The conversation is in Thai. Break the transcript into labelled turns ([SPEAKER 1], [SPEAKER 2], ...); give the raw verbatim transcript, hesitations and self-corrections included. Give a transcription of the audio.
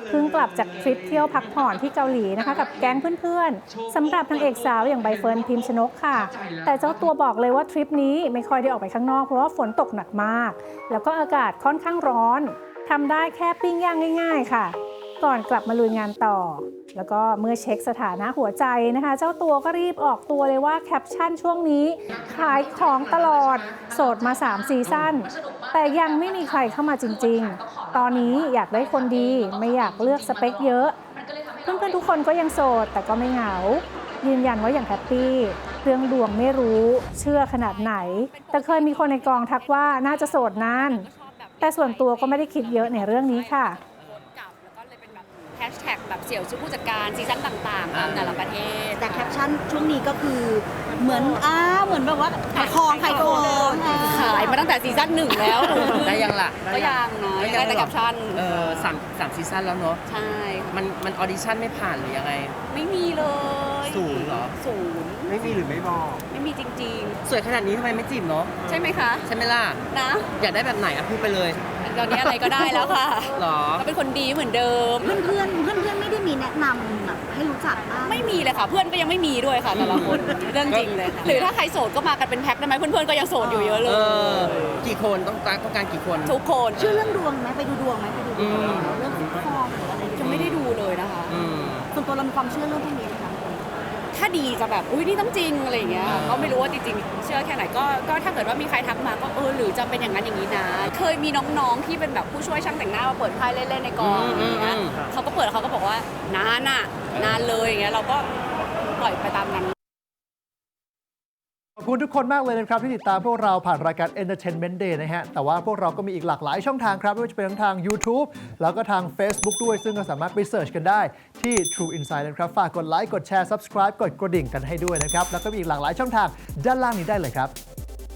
[SPEAKER 1] เพิ่งกลับจากทริปเที่ยวพักผ่อนที่เกาหลีนะคะกับแก๊งเพื่อนๆสำหรับนางเอกสาวอย่างใบเฟิร์นพิมชนกค่ะแต่เจ้าตัวบอกเลยว่าทริปนี้ไม่ค่อยได้ออกไปข้างนอกเพราะว่าฝนตกหนักมากแล้วก็อากาศค่อนข้างร้อนทำได้แค่ปิ้งย่างง่ายๆค่ะก่อนกลับมาลุยงานต่อแล้วก็เมื่อเช็คสถานะหัวใจนะคะเจ้าตัวก็รีบออกตัวเลยว่าแคปชั่นช่วงนี้ขายของตลอดโสดมาสามซีซั่นแต่ยังไม่มีใครเข้ามาจริงๆตอนนี้อยากได้คนดีไม่อยากเลือกสเปคเยอะเพื่อนๆทุกคนก็ยังโสดแต่ก็ไม่เหงายืนยันว่าอย่างแฮปปี้เรื่องดวงไม่รู้เชื่อขนาดไหนแต่เคยมีคนในกองทักว่าน่าจะโสดนานแต่ส่วนตัวก็ไม่ได้คิดเยอะในเรื่องนี้ค่ะ
[SPEAKER 2] แฮชแท็กแบบเสี่ยวชื่อผู้จัดการซีซั่นต่างๆตามแต่ละประเทศ
[SPEAKER 3] แต่แคปชั่นช่วงนี้ก็คือเหมือนอ้าเหมือนแบบว่าขายของขายของ
[SPEAKER 2] ขายมาตั้งแต่ซีซั่นหนึ่งแล้ว
[SPEAKER 4] ได้ยังล่ะ
[SPEAKER 2] ก็ยังนะได้แต่แคปชั่น
[SPEAKER 4] เออสามสามซีซั่นแล้วเนาะ
[SPEAKER 2] ใช่
[SPEAKER 4] มันมันออดิชั่นไม่ผ่านหรือยังไง
[SPEAKER 2] ไม่มีเลย
[SPEAKER 4] ศูนย์เหรอ
[SPEAKER 2] ศูนย์
[SPEAKER 4] ไม่มีหรือไม่บอก
[SPEAKER 2] ไม่มีจริง
[SPEAKER 4] ๆสวยขนาดนี้ทำไมไม่จีบเนาะ
[SPEAKER 2] ใช่ไหมคะ
[SPEAKER 4] ใช่ไหมล่ะ
[SPEAKER 2] นะ
[SPEAKER 4] อยากได้แบบไหนอ่ะพูดไปเลย
[SPEAKER 2] ตอนนี้อะไรก็ได้แล้วค่ะ
[SPEAKER 4] หรอ
[SPEAKER 2] ก็เป็นคนดีเหมือนเดิม
[SPEAKER 3] เพื่อนเพื่อนเพื่อนเพื่อนไม่ได้มีแนะนำแบบให้รู้จัก
[SPEAKER 2] ไม่มีเลยค่ะเพื่อนก็ยังไม่มีด้วยค่ะแต่ละคนเรื่องจริงเลยหรือถ้าใครโสดก็มากันเป็นแพ็คได้ไหมเพื่อนๆก็ยังโสดอยู่เยอะเลย
[SPEAKER 4] กี่คนต้องการต้องการกี่คน
[SPEAKER 2] ทุกคน
[SPEAKER 3] ชื่อเรื่องดวงไหมไปดูดวงไหมไปดูดวงเรื่องคุ้มครองหรืออะไร
[SPEAKER 2] ยังไม่ได้ดูเลยนะคะ
[SPEAKER 3] ส่วนตัวเรามีความเชื่อเรื่องพวกนี้ไหมคะ
[SPEAKER 2] ถ้าดีจะแบบอุ้ยนี่ต้องจริงอะไรอย่างเงี้ยก็ไม่รู้ว่าจริงๆเชื่อแค่ไหนก็ก็ถ้าเกิดว่ามีใครทักมาก็เออหรือจะเป็นอย่างนั้นอย่างนี้นะเคยมีน้องๆที่เป็นแบบผู้ช่วยช่างแต่งหน้ามาเปิดไพ่เล่นๆในกองอย่างเงี้ยเขาก็เปิดเขาก็บอกว่านานอ่ะนานเลยอย่างเงี้ยเราก็ปล่อยไปตามนั้น
[SPEAKER 5] ขอบคุณทุกคนมากเลยนะครับที่ติดตามพวกเราผ่านรายการ Entertainment Day นะฮะแต่ว่าพวกเราก็มีอีกหลากหลายช่องทางครับไม่ว่าจะเป็นทั้งทาง YouTube แล้วก็ทาง Facebook ด้วยซึ่งก็สามารถไปเสิร์ชกันได้ที่ True Insight นะครับฝากกดไลค์กดแชร์ Subscribe กดกระดิ่งกันให้ด้วยนะครับแล้วก็มีอีกหลากหลายช่องทางด้านล่างนี้ได้เลยครับ